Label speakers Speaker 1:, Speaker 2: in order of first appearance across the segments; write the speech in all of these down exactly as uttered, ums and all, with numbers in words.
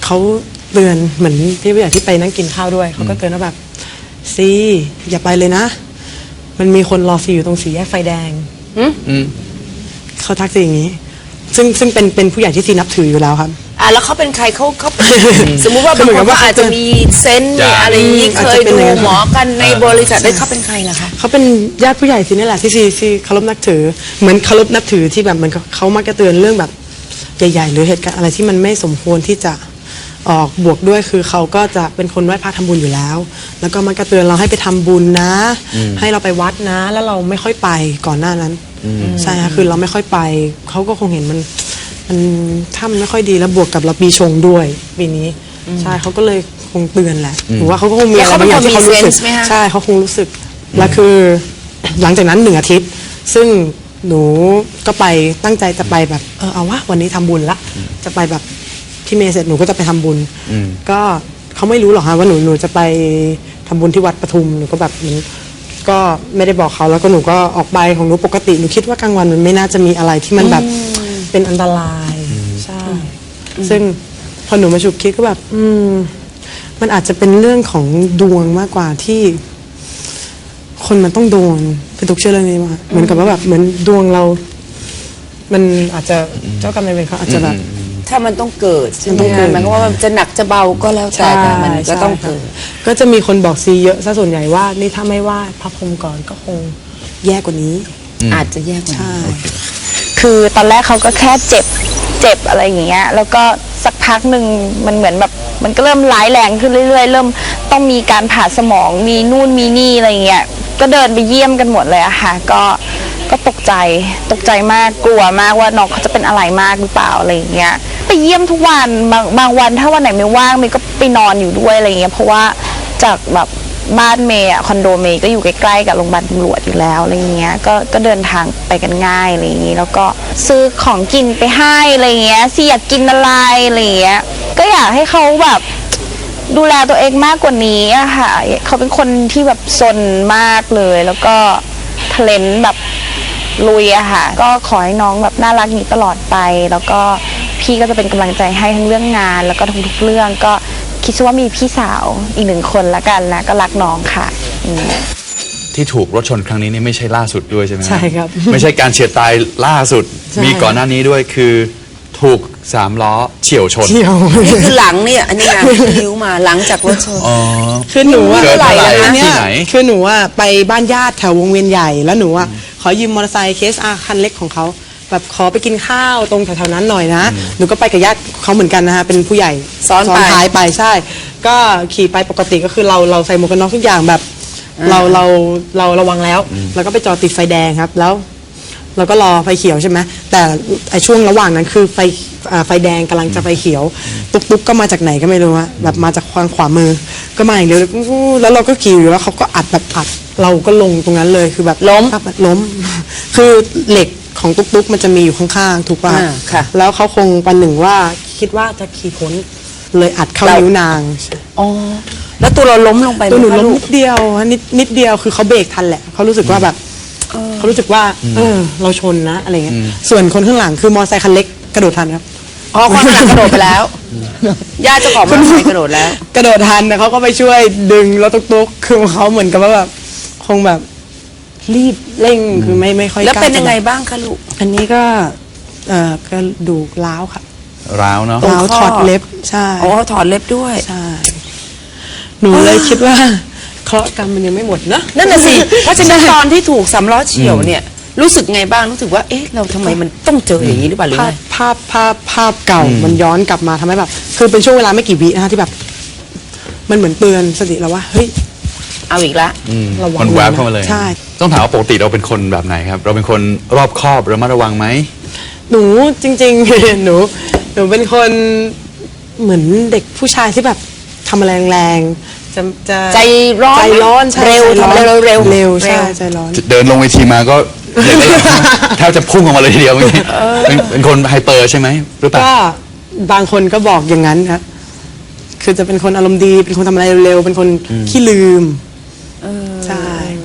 Speaker 1: เขาเตือนเหมือนพี่ผู้ใหญ่ที่ไปนั่งกินข้าวด้วยเขาก็เตือนว่าแบบซีอย่าไปเลยนะมันมีคนรอซีอยู่ตรงสี่แยกไฟแดงเขาทักซีอย่างนี้ซึ่งซึ่งเป็นเป็นผู้ใหญ่ที่ซีนับถืออยู่แล้วครับ
Speaker 2: อ่ะแล้วเขาเป็นใครเขาเขาสมมุติว่าบางคนก็อาจจะมีเซนส์มีอะไรนี้เคยดูหมอกันในบริษัทได้เขาเป็นใครล่ะคะ
Speaker 1: เขาเป็นญาติผู้ใหญ่ซีนี่แหละที่ซีซีเคารพนับถือเหมือนเคารพนับถือที่แบบเหมือนเขามักจะเตือนเรื่องแบบใหญ่ๆหรือเหตุการณ์อะไรที่มันไม่สมควรที่จะออกบวกด้วยคือเขาก็จะเป็นคนไหว้พระทำบุญอยู่แล้วแล้วก็มักจะเตือนเราให้ไปทำบุญนะให้เราไปวัดนะแล้วเราไม่ค่อยไปก่อนหน้านั้นใช่ค่ะคือเราไม่ค่อยไปเขาก็คงเห็นมันมันถ้ามันไม่ค่อยดีแล้วบวกกับเราปีชงด้วยปีนี้ใช่เขาก็เลยคงเตือนแหละหรือว่าเขาก็คงมีอะไรบางอย่างที่เขารู้สึกใช่เขาคงรู้สึกแล้วคือหลังจากนั้นหนึ่งอาทิตย์ซึ่งหนูก็ไปตั้งใจจะไปแบบเออเอาวะวันนี้ทำบุญละจะไปแบบที่เมย์เสร็จหนูก็จะไปทำบุญก็เขาไม่รู้หรอกค่ะว่าหนูหนูจะไปทำบุญที่วัดปทุมหนูก็แบบเหมือนก็ไม่ได้บอกเขาแล้วก็หนูก็ออกไปของหนูปกติหนูคิดว่ากลางวันมันไม่น่าจะมีอะไรที่มันแบบเป็นอันตรายใช่ซึ่งพอหนูมาฉุกคิดก็แบบอืมมันอาจจะเป็นเรื่องของดวงมากกว่าที่คนมันต้องโดนเป็นตุกเชื่อเรื่องนี้มาเหมือนกับว่าแบบเหมือนดวงเรามันอาจจะเจ้ากรรมนายเวรเขาอาจจะแบบ
Speaker 2: ถ้ามันต้องเกิดใช่ไหมหมายความว่ามันจะหนักจะเบาก็แล้วแต่มันก็ต้องเกิด
Speaker 1: ก็จะมีคนบอกซีเยอะซะส่วนใหญ่ว่านี่ถ้าไม่ว่าพระพรหมก่อนก็คงแย่กว่านี้
Speaker 2: อาจจะแย่กว่านี้
Speaker 3: คือตอนแรกเขาก็แค่เจ็บเจ็บอะไรอย่างเงี้ยแล้วก็สักพักหนึ่งมันเหมือนแบบมันก็เริ่มร้ายแรงขึ้นเรื่อยๆเริ่มต้องมีการผ่าสมองมีนู่นมีนี่อะไรเงี้ยก็เดินไปเยี่ยมกันหมดเลยอะค่ะก็ก็ตกใจตกใจมากกลัวมากว่าน้องเขาจะเป็นอะไรมากหรือเปล่าอะไรอย่างเงี้ยไปเยี่ยมทุกวันบางบางวันถ้าวันไหนไม่ว่างเมย์ก็ไปนอนอยู่ด้วยอะไรเงี้ยเพราะว่าจากแบบบ้านเมย์อะคอนโดเมย์ก็อยู่ใกล้ๆกับโรงพยาบาลตำรวจอยู่แล้วอะไรเงี้ยก็ก็เดินทางไปกันง่ายอะไรอย่างงี้แล้วก็ซื้อของกินไปให้อะไรเงี้ยซีอยากกินอะไรอะไรเงี้ยก็อยากให้เขาแบบดูแลตัวเองมากกว่านี้อะค่ะเขาเป็นคนที่แบบซนมากเลยแล้วก็เทเลนแบบลุยอะค่ะก็ขอให้น้องแบบน่ารักนี้ตลอดไปแล้วก็พี่ก็จะเป็นกำลังใจให้ทั้งเรื่องงานแล้วก็ทุกๆเรื่องก็คิดว่ามีพี่สาวอีกหนึ่งคนละกันนะก็รักน้องค่ะ
Speaker 4: ที่ถูกรถชนครั้งนี้นี่ไม่ใช่ล่าสุดด้วยใช่ไหม
Speaker 1: ใช่ครับ
Speaker 4: ไม่ใช่การเฉียดตายล่าสุดมีก่อนหน้านี้ด้วยคือถูกสามล้อเฉี่ยวชน
Speaker 1: นี่
Speaker 2: คือหลังเนี่ยอันนี้ไงคิ้วมาหลังจากรถชน
Speaker 1: คือหนูว่า
Speaker 4: เกิดอะไร
Speaker 1: ที่ไหนคือหนูว่าไปบ้านญาติแถววงเวียนใหญ่แล้วหนูว่าขอยืมมอเตอร์ไซค์เคสอาคันเล็กของเขาแบบขอไปกินข้าวตรงแถวๆนั้นหน่อยนะหนูก็ไปกับญาติเขาเหมือนกันนะคะเป็นผู้ใหญ่
Speaker 2: ซ้อน
Speaker 1: ท้ายไปใช่ก็ขี่ไปปกติก็คือเราเราใส่หมวกกันน็อกทุกอย่างแบบเราเราเราระวังแล้วแล้วก็ไปจอดติดไฟแดงครับแล้วเราก็รอไฟเขียวใช่ไหมแต่ไอช่วงระหว่างนั้นคือไฟไฟแดงกำลังจะไฟเขียวตุ๊กตุ๊กก็มาจากไหนก็ไม่รู้อะแบบมาจากทางขวามือก็มาอย่างเดียวแล้วเราก็ขี่อยู่แล้วเขาก็อัดแบบอัดเราก็ลงตรงนั้นเลยคือแบบ
Speaker 2: ล้ม
Speaker 1: แบบล้มคือเหล็กของตุ๊กตุ๊กมันจะมีอยู่ข้างๆถูกป่ะแล้วเขาคงปันหนึ่งว่าคิดว่าจะขี่พ้นเลยอัดเข้านิ้วนาง
Speaker 2: อ๋อแล้วตัวเราล้มลงไป
Speaker 1: ตัวหนูล้มนิดเดียวนิดนิดเดียวคือเขาเบรกทันแหละเขารู้สึกว่าแบบเขารู้สึกว่าเออเราชนนะอะไรเงี้ยส่วนคนข้างหลังคือมอเตอร์ไซค์คันเล็กกระโดดทันครับ
Speaker 2: อ๋อคนข้างหลังกระโดดไปแล้วญาติเจ้าของมอเตอร์ไซค์กระโดดแล้ว
Speaker 1: กระโดดทันแต่เขาก็ไปช่วยดึงรถตุ๊กๆคือเขาเหมือนกับว่าแบบคงแบบรีบเร่งคือไม่ไม่ค่อย
Speaker 2: แล้วเป็นยังไงบ้างคะลูก
Speaker 1: อันนี้ก็เอ่อกระดูกร้าวค่ะ
Speaker 4: ร้าวเนาะ
Speaker 1: ร้าวถอดเล็บใช่
Speaker 2: อ๋อถอดเล็บด้วย
Speaker 1: ใช่หนูเลยคิดว่าเคราะห์กรรมมันยังไม่หมดนะ
Speaker 2: นั่นน่ะสิเพราะฉะนั้นตอนที่ถูกสามล้อเฉี่ยวเนี่ยรู้สึกไงบ้างรู้สึกว่าเอ๊ะเราทำไมมันต้องเจออย่างนี้หรือเปล่าหรือไง
Speaker 1: ภาพภาพภาพเก่ามันย้อนกลับมาทำให้แบบคือเป็นช่วงเวลาไม่กี่วินะคะที่แบบมันเหมือนเตือนสติเราว่าเฮ้ย
Speaker 2: เอาอีกละ
Speaker 4: ระวังมันแวบเข้ามาเลย
Speaker 1: ใช่
Speaker 4: ต้องถามว่าปกติเราเป็นคนแบบไหนครับเราเป็นคนรอบคอบระมัดระวังไหม
Speaker 1: หนูจริงๆหนูหนูเป็นคนเหมือนเด็กผู้ชายที่แบบทำอะไรแรงๆจะจะ
Speaker 2: ใจร้อน
Speaker 1: ใจร้อน
Speaker 2: เร็วทำอะไรเร็ว
Speaker 1: เร็วเร็วใช่ใจร้อน
Speaker 4: เดินลงเวทีมาก็แทบจะพุ่งออกมาเลยทีเดียวเป็นคนไฮเปอร์ใช่ไหมหรือเปล่า
Speaker 1: ก็บางคนก็บอกอย่างนั้นครับคือจะเป็นคนอารมณ์ดีเป็นคนทำอะไรเร็วๆเป็นคนขี้ลืมใช่
Speaker 2: แต่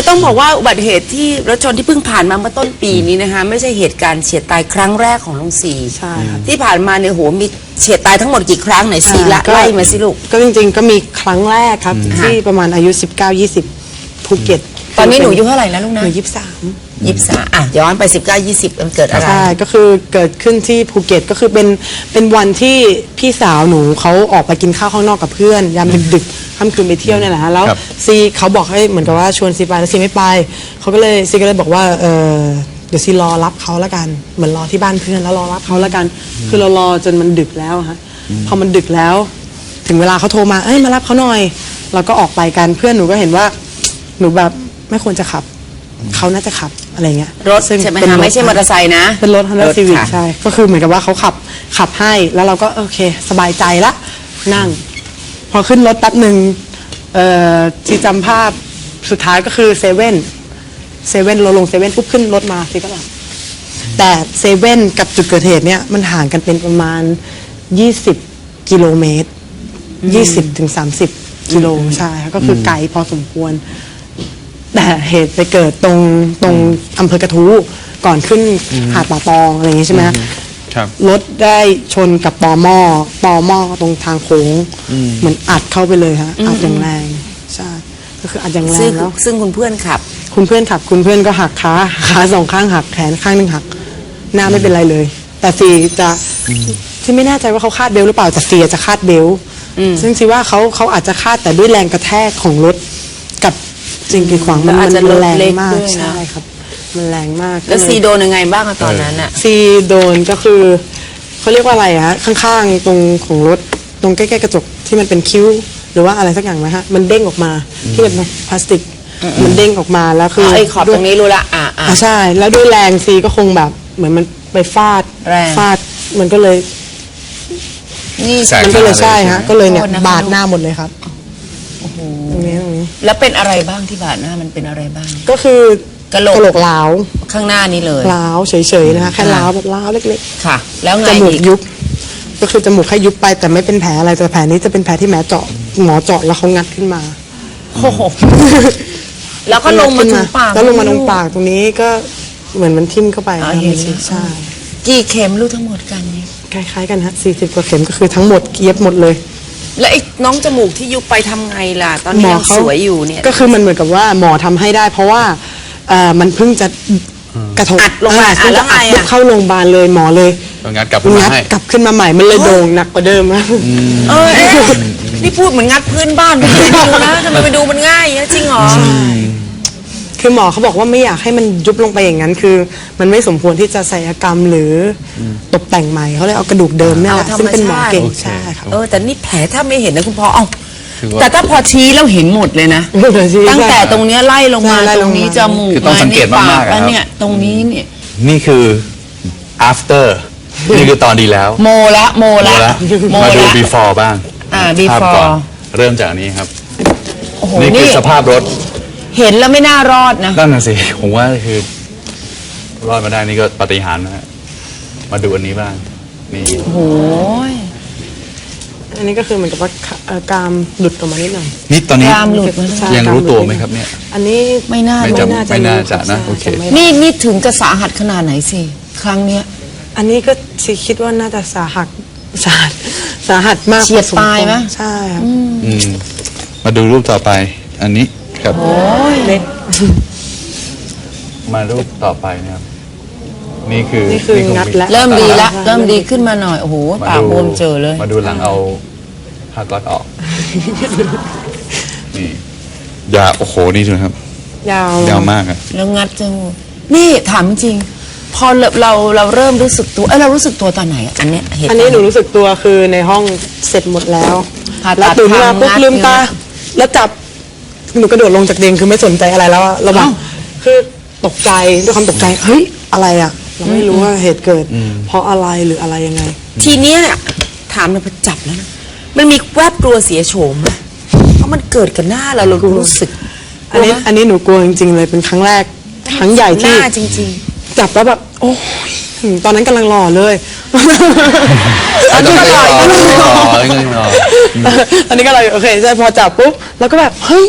Speaker 2: ต้องบอกว่าอุบัติเหตุที่รถชนที่เพิ่งผ่านมาเมื่อต้นปีนี้นะคะไม่ใช่เหตุการณ์เฉียดตายครั้งแรกของลุงศรี
Speaker 1: ใช่ครับ
Speaker 2: ที่ผ่านมาเนี่ยโหมีเฉียดตายทั้งหมดกี่ครั้งไหนสีละ
Speaker 1: ก็
Speaker 2: ไล่มาสิลูก
Speaker 1: ก็จริงๆก็มีครั้งแรกครับที่ประมาณอายุสิบเก้า ยี่สิบภูเก็ต
Speaker 2: ตอนนี้หนูอายุเท่าไหร่แล้วลูก
Speaker 1: ห
Speaker 2: นะ
Speaker 1: นูยี่สิบสาม
Speaker 2: ยี่สิบสามอ่ะย้อนไปสิบเก้ายี่สิบมันเกิดอะไร
Speaker 1: ใช่ก็คือเกิดขึ้นที่ภูเก็ตก็คือเป็นเป็นวันที่พี่สาวหนูเขาออกไปกินข้าวข้างนอกกับเพื่อนยามดึกๆค่ำคืนไปเที่ยวเนี่ยแหละฮะแล้ว
Speaker 4: ครับ
Speaker 1: ซีเขาบอกให้เหมือนกับว่าชวนซีไปแล้วซีไม่ไปเขาก็เลยซีก็เลยบอกว่าเออเดี๋ยวซีรอรับเขาแล้วกันเหมือนรอที่บ้านเพื่อนแล้วรอรับเขาแล้วกัน คือเรารอจนมันดึกแล้วอะฮะพอมันดึกแล้ว ถึงเวลาเขาโทรมาเอ้ยมารับเขาหน่อยเราก็ออกไปกันเพื่อนหนูก็เห็นว่าหนูแบบไม่ควรจะขับเขาน่าจะขับอะไรเงี้ย
Speaker 2: รถ
Speaker 1: ซึ่ง
Speaker 2: ใช่ไหม
Speaker 1: เป็น
Speaker 2: คะ
Speaker 1: รถ
Speaker 2: ไม่ใช่มอเตอร์ไซค์นะ
Speaker 1: เป็นรถ Honda
Speaker 2: รถ
Speaker 1: Civic
Speaker 2: ค่ะ
Speaker 1: ใช่ก็คือเหมือนกับว่าเขาขับขับให้แล้วเราก็โอเคสบายใจละนั่ง พอขึ้นรถแป๊บหนึ่งเอ่อที่จำภาพสุดท้ายก็คือเซเว่นเซเว่นเราลงเซเว่นปุ๊บขึ้นรถมาสิก็หลับแต่เซเว่นกับจุดเกิดเหตุเนี่ยมันห่างกันเป็นประมาณยี่สิบกิโลเมตรยี่สิบถึงสามสิบกิโลใช่ค่ะก็คือไกลพอสมควร แต่เหตุไปเกิดตรงตรงอำเภอกระทู้ก่อนขึ้นหาดป่าตองอะไรอย่างงี้ใช่ไหมฮะ
Speaker 4: ครับ
Speaker 1: รถได้ชนกับปอหม้อปอหม้อตรงทางโค้งเหมือนอัดเข้าไปเลยฮะอัดอย่างแรงใช่ก็คืออัดอย่างแร
Speaker 2: ซึ่ง
Speaker 1: งแล้ว
Speaker 2: ซึ่งคุณเพื่อนขับ
Speaker 1: คุณเพื่อนขับคุณเพื่อนก็หักขาขาสองข้างหักแขนข้างหนึ่งหักหน้าไม่เป็นไรเลย แต่ซีจะที่ไม่แน่ใจว่าเขาคาดเบลต์หรือเปล่าแต่ซีจะคาดเบลต์ซึ่งซีว่าเขาเขาอาจจะคาดแต่ด้วยแรงกระแทกของรถกับสิ่งกีดขวางมัน
Speaker 2: แล้วอาจจะ
Speaker 1: มัน
Speaker 2: รถ
Speaker 1: แรง
Speaker 2: เล็ก
Speaker 1: มาก
Speaker 2: ด้วยนะ
Speaker 1: ใช่ครับ มันแรงมาก
Speaker 2: แล้ว
Speaker 1: ก็เย
Speaker 2: ซีโดนยังไงบ้างอะตอนนั้นอะ
Speaker 1: ซีโดนก็คือเขาเรียกว่าอะไรอะฮะข้างๆตรงของรถตรงใกล้ๆกระจกที่มันเป็นคิ้ว หรือว่าอะไรสักอย่างไหมฮะมันเด้งออกมาที่เป็นพลาสติกมันเด้งออกมาแล้วคือ
Speaker 2: ไอ้ขอบตรงนี้รู้ละอ่ะอ่ะ
Speaker 1: อ่ะใช่ แล้วด้วยแรงซีก็คงแบบเหมือนมันไปฟาด
Speaker 2: แรง
Speaker 1: ฟาดมันก็เลย
Speaker 2: นี่
Speaker 4: แสก
Speaker 1: มันก็เลยใช่ฮะก็เลยเนี่ย
Speaker 2: โทษนะคะ
Speaker 1: บาดหน้าหมดเลยครับตรงนี้ตรงนี้
Speaker 2: แล้วเป็นอะไรบ้างที่บาดหน้ามันเป็นอะไรบ้าง
Speaker 1: ก็คือก
Speaker 2: ะโหลก
Speaker 1: กะโหลกล้าว
Speaker 2: ข้างหน้านี้เลย
Speaker 1: ล้าวเฉยๆนะคะแค่ล้าวแบบล้าวเล็ก
Speaker 2: ค่ะ แล้วไง
Speaker 1: ๆจมูก
Speaker 2: อีก
Speaker 1: ยุบก็คือจมูกแค่ยุบไปแต่ไม่เป็นแผลอะไรแต่แผลนี้จะเป็นแผลที่แหมเจาะหมอเจาะแล้วเขางัดขึ้นมา
Speaker 2: โอ้โหแล้วก็ลงมาถึงปาก
Speaker 1: แล้วลงมาตรงปากตรงนี้ก็เหมือนมันทิ่มเข้าไป
Speaker 2: อ๋อ
Speaker 1: ครับ
Speaker 2: เห็นแล้ว
Speaker 1: ใช่
Speaker 2: กี่เข็มลูกทั้งหมดกันเนี่ย
Speaker 1: คล้ายๆกันฮะสี่สิบกว่าเข็มก็คือทั้งหมดเย็บหมดเลย
Speaker 2: แล้วไอ้น้องจมูกที่ยุบไปทำไงล่ะ ตอนนี้ยังสวยอยู่เนี่ย
Speaker 1: ก็คือมันเหมือนกับว่าหมอทำให้ได้ เพราะว่าเอ่อมันเพิ่งจะกระทบ
Speaker 2: อัดลงมา
Speaker 1: เเพิ่ง
Speaker 2: แล้
Speaker 1: จะ
Speaker 2: วไง
Speaker 1: อัด
Speaker 2: อะ
Speaker 1: เข้าโรงพยาบาลเลยหมอเลย
Speaker 4: ก็งัดกลับขึ้นมา
Speaker 1: งัด
Speaker 4: ให้
Speaker 1: กลับขึ้นมาใหม่มันเลยโด่งหนักกว่าเดิมนะ
Speaker 2: เออเอ๊ะนี่พูดเหมือนงัดพื้นบ้านไปดูนะทำไมไปดูมันง่ายอย่างนี้จริงเหรอ
Speaker 1: คือหมอเขาบอกว่าไม่อยากให้มันยุบลงไปอย่างนั้น คือ มันไม่สมควรที่จะศัลยกรรมหรืออตกแต่งใหม่เขาเลยเอากระดูกเดิมเนี่ยแหละ
Speaker 2: เอาธรรม
Speaker 1: ซึ่งเป็นหมอเก่ง
Speaker 4: โอเค
Speaker 1: ใช่ครับ
Speaker 2: เออแต่นี่แผลถ้าไม่เห็นนะคุณพ่อเอ้า
Speaker 4: คือว่า
Speaker 2: แต่ถ้าพอชี้แล้วเห็นหมดเลยนะ ตั้งแต่ตรงเนี้ยไล่ลงมา
Speaker 1: ใช่ไล่
Speaker 2: ต
Speaker 1: ล
Speaker 2: รง ง
Speaker 1: มา
Speaker 2: นี้จมูก
Speaker 4: คือต้องสังเกตมากๆ
Speaker 2: แล้
Speaker 4: อะครับ
Speaker 2: วเนี่ยตรงนี้เนี่ย
Speaker 4: นี่คือ after นี่คือตอนดีแล้ว
Speaker 2: โมละโม
Speaker 4: มา
Speaker 2: ละ
Speaker 4: แล้ว
Speaker 2: โม
Speaker 4: มาดู
Speaker 2: ละ
Speaker 4: before บ้าง
Speaker 2: อ่า
Speaker 4: ภาพ
Speaker 2: before
Speaker 4: ก่อนเริ่มจากอันนี้ครับ
Speaker 2: โอ้โห
Speaker 4: นี่คื
Speaker 2: นี่
Speaker 4: อสภาพรถ
Speaker 2: เห็นแล้วไม่น่ารอดนะ
Speaker 4: นั่นน่ะสิ ผมว่าคือ รอดมาได้นี่ก็ปาฏิหาริย์นะฮะ มาดูอันนี้บ้าง นี่
Speaker 2: โอ้โห
Speaker 1: อันนี้ก็คือเหมือนกับว่าเอ่อกรามหลุดออกมานิดหน่อย
Speaker 4: นี่ตอนนี้
Speaker 2: กรามหลุดมาแล้ว
Speaker 1: ใช่
Speaker 4: ยังรู้ตัวไหมครับ
Speaker 1: กา
Speaker 4: เนี่ย
Speaker 1: อันนี้
Speaker 2: ไม่น่า
Speaker 4: ไม่
Speaker 2: รู้
Speaker 4: จะ
Speaker 1: น่าจะ
Speaker 4: ไม่น่า
Speaker 1: รู้
Speaker 4: จะนะ
Speaker 1: ใช่
Speaker 4: โอเค
Speaker 1: จะไม่
Speaker 2: นี่นี่ถึงจะสาหัสขนาดไหนสิ ครั้งเนี้ย
Speaker 1: อันนี้ก็สิคิดว่าน่าจะสาหัสสาหัสสาหัสมาก
Speaker 2: เฉียด
Speaker 1: พอสมควร
Speaker 2: ตายไหม
Speaker 1: ใช่ครับ
Speaker 4: อืม มาดูรูปต่อไป อันนี้ครับ
Speaker 1: เล็ก
Speaker 4: มารูปต่อไปนะครับ นี่คือ
Speaker 1: นี่คือ
Speaker 4: ค
Speaker 1: งัดแล้ว
Speaker 2: เริ่มดีละ
Speaker 1: ใช่
Speaker 2: เริ่มดีขึ้นมาหน่อย โอ้โห
Speaker 4: มา
Speaker 2: ปาก
Speaker 4: ดู
Speaker 2: บวมเจอเลย
Speaker 4: มาดูหลังเอาผ้าก๊อตออก นี่ยาวโอ้โห นี่ดูนะครับ
Speaker 1: ยาว
Speaker 4: ยาวมากอะ
Speaker 2: แล้วงัดจมูกนี่ถามจริง พอเราเราเราเริ่มรู้สึกตัว เอ้ยเรารู้สึกตัวตอนไหนอะอันเนี้ยเหตุ
Speaker 1: อันนี้หนูรู้สึกตัวคือในห้องเสร็จหมดแล้ว
Speaker 2: ผ่าตัด
Speaker 1: แล้วตื่นขึ้นมาปุ๊บ
Speaker 2: ทำงัด
Speaker 1: ลืมตา
Speaker 2: เนี่ย
Speaker 1: แล้วจับหนูกระโดดลงจากเตียงคือไม่สนใจอะไรแล้วอะระหว่างคือตกใจด้วยความตกใจเฮ้ยอะไรอะเราไม่รู้ว่าเหตุเกิด เพราะอะไรหรืออะไรยังไง
Speaker 2: ทีเนี้ยถามเลยพอจับแล้วนะมันมีแวบกลัวเสียโฉมไหมเพราะมันเกิดกับหน้าเราเรารู้สึก
Speaker 1: อันนี้อันนี้หนูกลัวจริงๆเลยเป็นครั้งแรกครั้งใหญ่
Speaker 2: ห
Speaker 1: ที่
Speaker 2: น้าจริง
Speaker 1: จับแล้วแบบโอ้ยอืมตอนนั้นกำลังหล่อเลย
Speaker 4: อันนี้ก็รออันนี้ก็รอ
Speaker 1: ตอนนี้ก็เลยโอเคใช่พอจับปุ๊บแล้วก็แบบเฮ้ย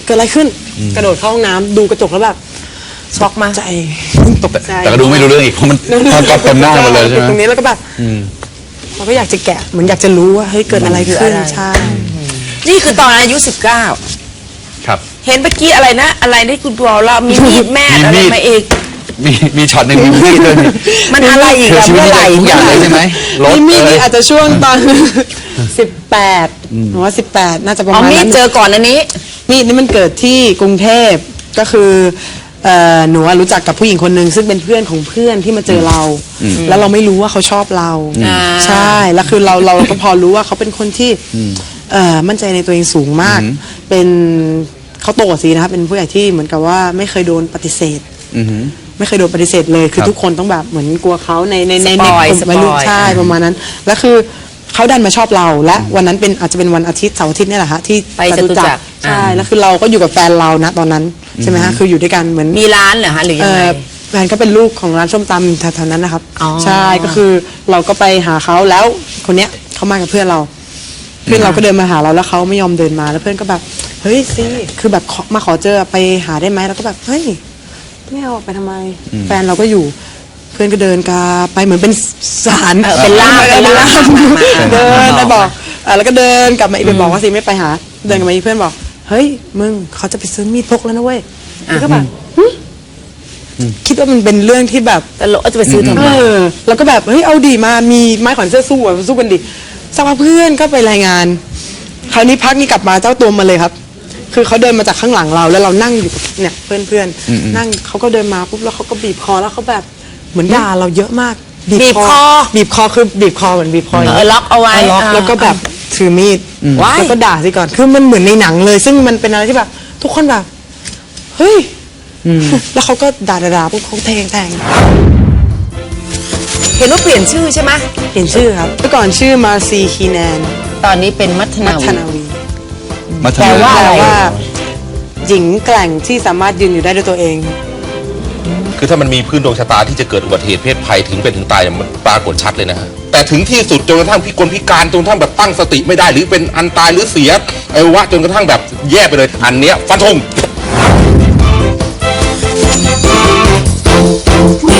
Speaker 1: เกิดอะไรขึ้นกระโดดเข้าห้องน้ำดูกระจกแล้วแบบ
Speaker 2: ช็อกมา
Speaker 1: ใจ
Speaker 4: ตกแต่แต่ก็ดูไม่รู้เรื่องอีกเพราะมันมันก็เต็มหน้าหมดเลยใช่ไหม
Speaker 1: ตรงนี้แล้วก็แบบ
Speaker 4: อืม
Speaker 1: เราก็อยากจะแกะเหมือนอยากจะรู้ว่าเฮ้ยเกิดอะไรขึ้นใช่
Speaker 2: นี่คือตอนอายุสิบเก้า
Speaker 4: ครับ
Speaker 2: เห็นเมื่อกี้อะไรนะ อะไรที่คุณบอกเรามีมีดแม่
Speaker 4: มี
Speaker 2: อะไร
Speaker 4: มีด
Speaker 2: มาอีก
Speaker 4: มีมีช็อตหนึ่งมีมีดด้วยนี่
Speaker 2: มันอะไรอีก
Speaker 4: คือ
Speaker 2: อะ
Speaker 4: ชีวิต
Speaker 2: เมื่อไหร่
Speaker 4: ทุกอย่างเลยใช่ไหมรถ
Speaker 1: มีมีด
Speaker 4: เอ้
Speaker 1: นี่
Speaker 4: ย
Speaker 1: อาจจะช่วงตอน สิบแปดหนูว่าสิบแปดน่าจะประ
Speaker 2: อ๋อ
Speaker 1: มาณ
Speaker 2: มีด
Speaker 1: นั้น
Speaker 2: เจอก่อนอันนี้
Speaker 1: มีดนี่มันเกิดที่กรุงเทพก็คือเอ่อหนูอะรู้จักกับผู้หญิงคนหนึ่งซึ่งเป็นเพื่อนของเพื่อนที่มาเจอเรา แล้วเราไม่รู้ว่าเขาชอบเรา
Speaker 2: อ่า
Speaker 1: ใช่แล้วคือเราเราก็พอรู้ว่าเขาเป็นคนที่เอ่อมั่นใจในตัวเองสูงมาก เป็นเขาโตกว่าซีนะครับเป็นผู้ใหญ่ที่เหมือนกับว่าไม่เคยโดนปฏิเสธ
Speaker 4: อือหือ
Speaker 1: ไม่เคยโดนปฏิเสธเลย คือ
Speaker 4: ครับ
Speaker 1: ทุกคนต้องแบบเหมือนกลัวเขาในในใน
Speaker 2: สปอย
Speaker 1: ในวัยรุ่น
Speaker 2: สปอย
Speaker 1: ใช่ประมาณนั้น แล้วคือเขาดันมาชอบเรา และวันนั้นเป็นอาจจะเป็นวันอาทิตย์เสาร์อาทิตย์เนี่ยแหละฮะที่
Speaker 2: ไปจตุจักร
Speaker 1: ใช่แล้วคือเราก็อยู่กับแฟนเรานะตอนนั้นใช่ไหมฮะคืออยู่ด้วยกันเหมือน
Speaker 2: มีร้านเหรอฮะหรือ
Speaker 1: เอ
Speaker 2: ยังไง
Speaker 1: อแฟนก็เป็นลูกของร้านส้มตำแถวๆนั้นนะครับ
Speaker 2: อ๋อ
Speaker 1: ใช่ก็คือเราก็ไปหาเขาแล้วคนเนี้ยเขามากับเพื่อนเรา เพื่อนเราก็เดินมาหาเราแล้วเขาไม่ยอมเดินมาแล้วเพื่อนก็แบบเฮ้ยซีคือแบบขอมาขอเจอไปหาได้ไหมแล้วก็แบบเฮ้ยไม่เอาไปทำไม แฟนเราก็อยู่ เพื่อนก็เดินกาไปเหมือนเป็นสาร
Speaker 2: เออเป็นล่าม
Speaker 1: ออเป็นล่าม
Speaker 2: เป็นล่าม
Speaker 1: เดิน
Speaker 2: มา
Speaker 1: ไป
Speaker 2: บอก
Speaker 1: บอกอ่ะแล้วก็เดินกลับมาอีกไปบอกว่าซีไม่ไปหา เดินกลับมาอีกเพื่อนบอกเฮ้ยมึงเขาจะไปซื้อมีดพกแล้วนะเว้ยแล้วก็แบบหึคิดว่ามันเป็นเรื่องที่แบบ
Speaker 2: แต่เราจะไปซื้อทำไม
Speaker 1: เออแล้วก็แบบเฮ้ยเอาดีมามีไม้ขวัญเสื้อสู้อ่ะสู้กันดิสักพักเพื่อนก็ไปรายงาน คราวนี้พักนี้กลับมาเจ้าตัวมาเลยครับ คือเขาเดินมาจากข้างหลังเราแล้วเรานั่งอยู่กับเนี่ยเพื่อนเพื่อนๆนั่งเขาก็เดินมาปุ๊บแล้วเขาก็บีบคอแล้วเขาแบบเหมือนด่าเราเยอะมาก
Speaker 2: บีบคอ
Speaker 1: บีบคอคือบีบคอเหมือนบีบคอ
Speaker 2: เออล็อกเอาไว้
Speaker 1: ล็อก
Speaker 2: อ่า
Speaker 1: แล้วก็แบบถือมีด
Speaker 2: ว้าย
Speaker 1: แล้วก็ด่าสิก่อนคือมันเหมือนในหนังเลย ซึ่งมันเป็นอะไรที่แบบ ทุกคนแบบเฮ้ยแล้วเขาก็ด่าด่าๆปุ๊บเขาแทงแทง
Speaker 2: เห็นว่าเปลี่ยนชื่อใช่ไหม
Speaker 1: เปลี่ยนชื่อครับเมื่อก่อนชื่อมาซีคีแนน
Speaker 2: ตอนนี้เป็นมัทนา
Speaker 1: มั
Speaker 2: วี
Speaker 1: ทนาวี
Speaker 4: มา
Speaker 2: แปลว่า
Speaker 1: แป
Speaker 2: อะไร
Speaker 1: ลว่า หญิงแกร่งที่สามารถยืนอยู่ได้ด้วยตัวเอง
Speaker 5: คือถ้ามันมีพื้นดวงชะตาที่จะเกิดอุบัติเหตุเพศภัยถึงเป็นถึงตายมันปรากฏชัดเลยนะฮะแต่ถึงที่สุดจนกระทั่งพิกลพิการจนกระทั่งแบบตั้งสติไม่ได้หรือเป็นอันตายหรือเสียอวัยวะจนกระทั่งแบบแย่ไปเลยอันเนี้ยฟันธง
Speaker 6: We